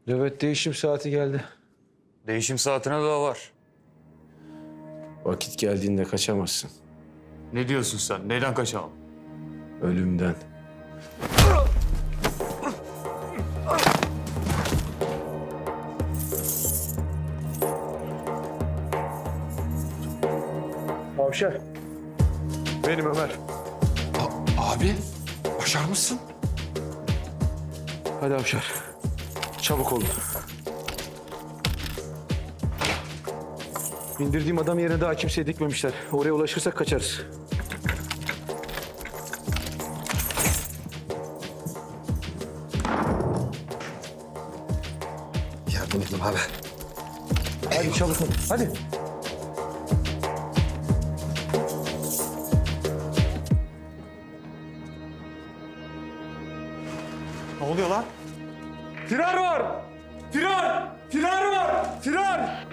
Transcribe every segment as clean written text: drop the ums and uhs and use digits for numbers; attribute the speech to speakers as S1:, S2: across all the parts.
S1: Evet, değişim saati geldi.
S2: Değişim saatine daha var.
S1: Vakit geldiğinde kaçamazsın.
S2: Ne diyorsun sen? Neyden kaçamam?
S1: Ölümden. Avşar. Benim Ömer.
S3: Abi, başarmışsın.
S1: Hadi Avşar. Çabuk olun. İndirdiğim adam yerine daha kimseye dikmemişler. Oraya ulaşırsak kaçarız.
S3: Yardım edin abi.
S1: Hadi çabuk olun. Hadi.
S2: Ne oluyor lan? Firar var! Firar! Firar var! Firar!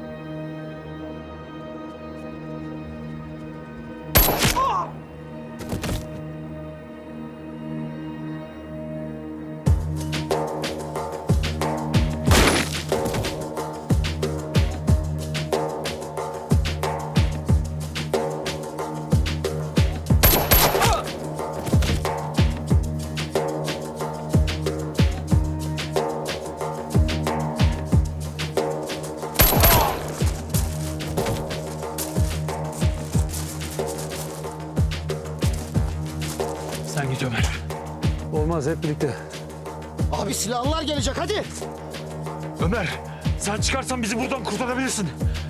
S1: Sen git Ömer. Olmaz, hep birlikte.
S3: Abi silahlılar gelecek, hadi.
S2: Ömer, sen çıkarsan bizi buradan kurtarabilirsin.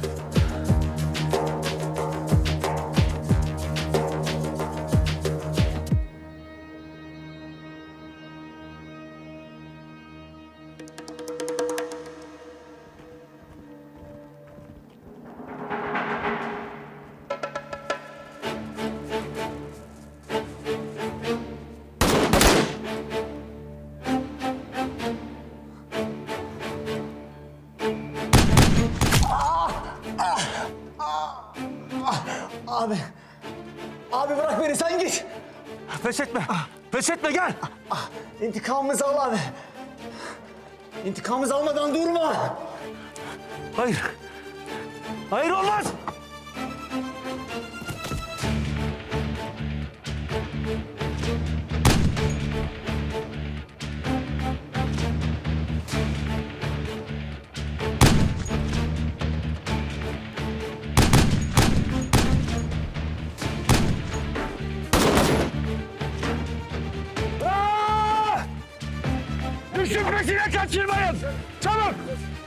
S3: Abi. Abi bırak beni, sen git.
S2: Pes etme. Pes etme, gel.
S3: İntikamımızı al abi. İntikamımızı almadan durma.
S2: Hayır. Hayır, olmaz. Düşünmesine kaçırmayın. Çabuk.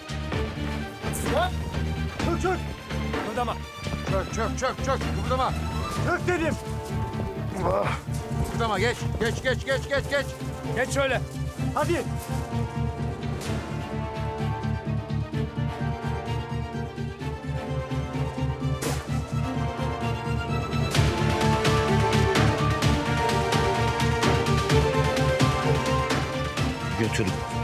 S2: Çök. Kıpırdama.
S4: Çök. Kıpırdama.
S2: Çök dedim.
S4: Kıpırdama. Geç.
S2: Geç şöyle. Hadi.
S1: Götürün.